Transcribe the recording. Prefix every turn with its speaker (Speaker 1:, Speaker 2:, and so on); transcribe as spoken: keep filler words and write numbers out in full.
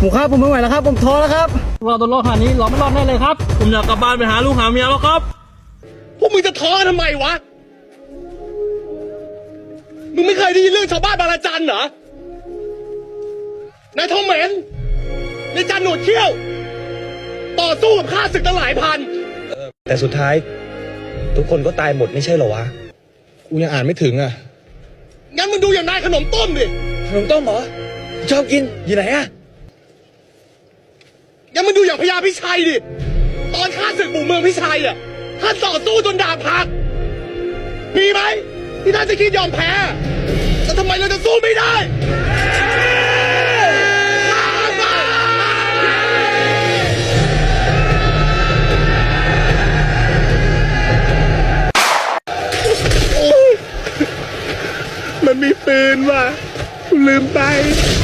Speaker 1: ผมครับผมไม่ไหวแล้วครับผมท้อแล้วครับเราต้องรอดขนาดนี้เราไม่รอดแน่เลยครับผมอยากกลับบ้านไปหาลูกหาเมียแล้วครับ
Speaker 2: พวกมึงจะท้อทำไมวะมึงไม่เคยได้ยินเรื่องชาวบ้านบางระจันเหรอนายทอมเหม็นนายจันหนวดเขี้ยวต่อสู้กับข้าศึกตั้งหลายพันแต่สุดท้ายทุกคนก็ตายหมดไม่ใช่เหรอวะกูยังอ่านไม่ถึงอ่ะงั้นมึงดูอย่างนายขนมต้มดิขนมต้มเหรอชอบกินอยู่ไหนอ่ะงั้นมึงดูอย่างพญาพิชัยดิตอนข้าศึกบุกเมืองพิชัยอ่ะท่านต่อสู้จนดาบหักมีไหมที่ท่านจะคิดยอมแพ้แต่ทำไมเราจะสู้ไม่ได้มันมีปืนว่ะลืมไป